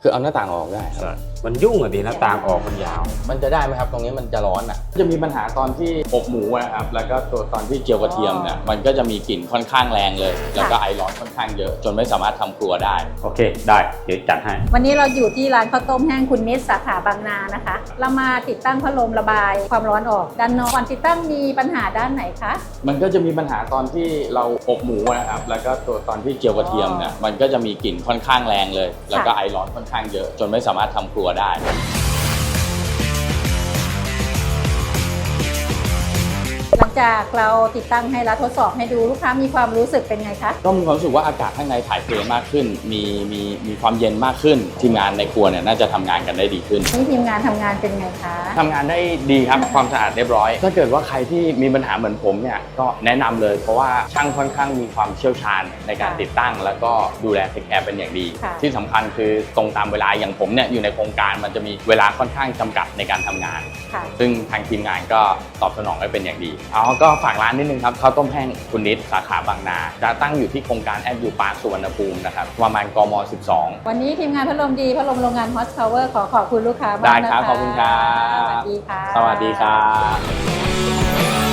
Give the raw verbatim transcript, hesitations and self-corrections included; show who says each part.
Speaker 1: คือเอาหน้าต่างออกได้ครับ
Speaker 2: มันยุ่งอะดีหน้าต่างออกมันยาว
Speaker 1: มันจะได้ไหมครับตรงนี้มันจะร้อนอ่ะจะมีปัญหาตอนที่อบหมูนะครับแล้วก็ตัวตอนที่เจียวกระเทียมเนี่ยมันก็จะมีกลิ่นค่อนข้างแรงเลยแล้วก็ไอร้อนค่อนข้างเยอะจนไม่สามารถทำครัวได้
Speaker 2: โอเคได้เดี๋ยวจัดให้
Speaker 3: วันนี้เราอยู่ที่ร้านข้าวต้มแห้งคุณนิดสาขาบางนานะคะเรามาติดตั้งพัดลมระบายความร้อนออกด้านนอกก่อนติดตั้งมีปัญหาด้านไหนคะ
Speaker 1: มันก็จะมีปัญหาตอนที่เราอบหมูนะครับแล้วก็ตัวตอนที่เจียวกระเทียมเนี่ยมันก็จะมีกลิ่นค่อนข้างแรงเลยแล้วก็ไอร้อนค่อนข้างเยอะจนไม่สามารถทำครัวได้
Speaker 3: หลังจากเราติดตั้งให้แล้วทดสอบให้ดูลูกค้ามีความรู้สึกเป็นไงคะ
Speaker 1: ก็มีความรู้สึกว่าอากาศข้างในถ่ายเทมากขึ้นมีมีมีความเย็นมากขึ้นทีมงานในครัวเนี่ยน่าจะทำงานกันได้ดีขึ้น
Speaker 3: นี่ทีมงานทำงานเป็นไงคะ
Speaker 1: ทำงานได้ดีครับความสะอาดเรียบร้อยถ้าเกิดว่าใครที่มีปัญหาเหมือนผมเนี่ยก็แนะนำเลยเพราะว่าช่างค่อนข้างมีความเชี่ยวชาญในการติดตั้งแล้วก็ดูแลเทคแคร์เป็นอย่างดีที่สำคัญคือตรงตามเวลาอย่างผมเนี่ยอยู่ในโครงการมันจะมีเวลาค่อนข้างจำกัดในการทำงานซึ่งทางทีมงานก็ตอบสนองได้เป็นอย่างดีเอาก็ฝากร้านนิดนึงครับข้าวต้มแห้งคุณนิดสาขาบางนาจะตั้งอยู่ที่โครงการแอดยูปาร์คสุวรรณภูมินะครับประมาณกมสิบสอง
Speaker 3: วันนี้ทีมงานพัดลมดีพัดลมโรงงาน Hot Power ขอขอบคุณลูกค้ามากนะคะ
Speaker 1: ได้ครับขอบคุณครับ
Speaker 3: สวัสดีค่ะ
Speaker 1: สวัสดีครับ